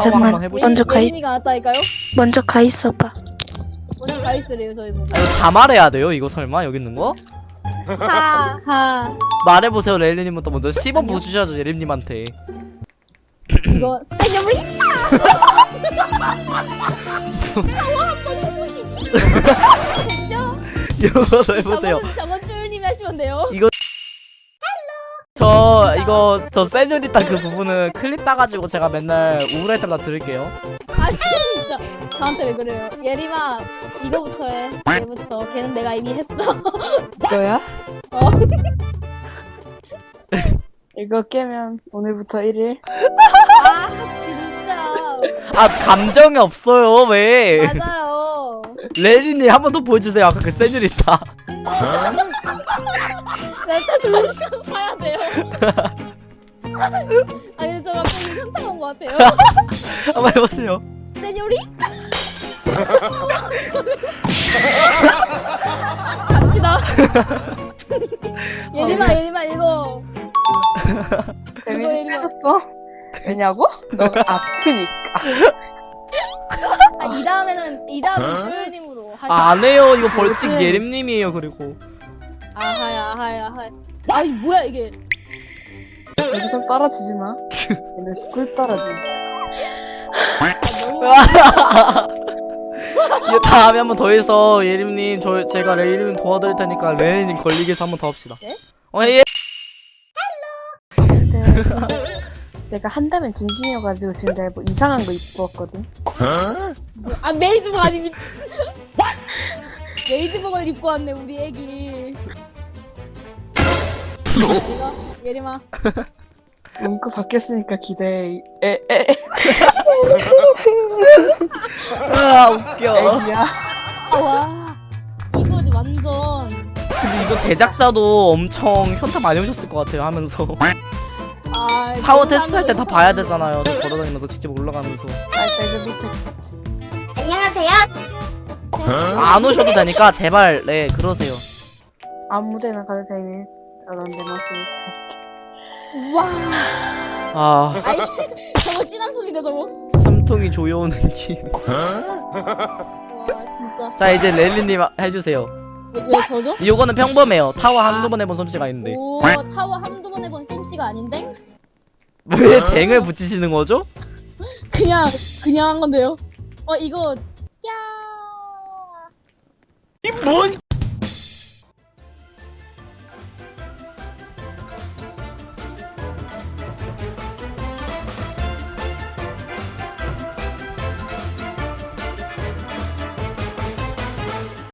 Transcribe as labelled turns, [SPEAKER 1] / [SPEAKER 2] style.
[SPEAKER 1] 잠깐만,
[SPEAKER 2] 한번 해보시죠.
[SPEAKER 1] 예림이가 왔다니까요?
[SPEAKER 3] 먼저 가 있어봐.
[SPEAKER 1] 먼저 가있으래요 저희 보고.
[SPEAKER 2] 이거 다 말해야 돼요 이거 설마 여기 있는 거?
[SPEAKER 1] 하하.
[SPEAKER 2] 말해보세요 레일리님부터 먼저 10원 부주셔야죠 예림님한테.
[SPEAKER 1] 이거 스테디움을 타워 한번 해보시지. 됐죠?
[SPEAKER 2] 이거 해보세요.
[SPEAKER 1] 저건 쭈님이 하시면 돼요.
[SPEAKER 2] 저 세뇨리타 그 부분은 클립 따가지고 제가 맨날 우울할 때마다 들을게요.
[SPEAKER 1] 아 진짜 저한테 왜 그래요? 예림아 이거부터 해. 얘부터. 걔는 내가 이미 했어.
[SPEAKER 3] 이거야?
[SPEAKER 1] 어.
[SPEAKER 3] 이거 깨면 오늘부터 1일.
[SPEAKER 1] 아 진짜.
[SPEAKER 2] 아 감정이 없어요 왜?
[SPEAKER 1] 맞아요.
[SPEAKER 2] 레일리님 한 번 더 보여주세요 아까 그 세뇨리타.
[SPEAKER 1] 나또 둘이서 사야 돼요. 아니 저 갑자기 현타 온 것 같아요.
[SPEAKER 2] 한번 해보세요.
[SPEAKER 1] 세뇨리? 갑시다. 예림아 이거.
[SPEAKER 3] 재밌어졌어? 왜냐고? 너가 아프니까.
[SPEAKER 1] 아, 이 다음에는 쭈님으로 하자.
[SPEAKER 2] 아, 안 해요 이거 벌칙 예림님이에요 그리고.
[SPEAKER 1] 아하야. 아이 뭐야 이게.
[SPEAKER 3] 여기서 떨어지지 마. 얘는 꿀 떨어지.
[SPEAKER 1] 아, 너무.
[SPEAKER 2] 이거 다음에 한 번 더 해서 예림님 제가 레일님 도와드릴 테니까 레일님 걸리게 해서 한 번 더 합시다.
[SPEAKER 1] 네?
[SPEAKER 2] 예.
[SPEAKER 3] 내가 한다면 진심이어가지고 지금 내가 뭐 이상한 거 입고 왔거든.
[SPEAKER 1] 아 메이드복 아니 메이드복을 입고 왔네 우리 애기. 이거 예림아.
[SPEAKER 3] 문구 바뀌었으니까 기대해.
[SPEAKER 2] 아 웃겨.
[SPEAKER 3] 애기야.
[SPEAKER 1] 와 이거지 완전.
[SPEAKER 2] 근데 이거 제작자도 엄청 현타 많이 오셨을 것 같아요 하면서.
[SPEAKER 1] 아
[SPEAKER 2] 타워 테스트 할 때 다 봐야 되잖아요. 저 걸어다니면서 직접 올라가면서.
[SPEAKER 3] 내가 밑에.
[SPEAKER 1] 안녕하세요.
[SPEAKER 2] 안 오셔도 되니까 제발 네 그러세요.
[SPEAKER 3] 아무데나 가도 되니. 그런 데 마시니까.
[SPEAKER 1] 와.
[SPEAKER 2] 아
[SPEAKER 1] 아이 저거 찐한 소리네 저거.
[SPEAKER 2] 숨통이 조여오는 느낌.
[SPEAKER 1] 와 진짜.
[SPEAKER 2] 자 이제 레일리님 해주세요.
[SPEAKER 1] 왜 저죠?
[SPEAKER 2] 이거는 평범해요. 타워 한두 번 해본 솜씨가 있는데.
[SPEAKER 1] 오 타워 한두 번 해본 쫌씨가 아닌데?
[SPEAKER 2] 왜 댕을 붙이시는 거죠?
[SPEAKER 1] 그냥 한 건데요. 이거 야.
[SPEAKER 2] 뭔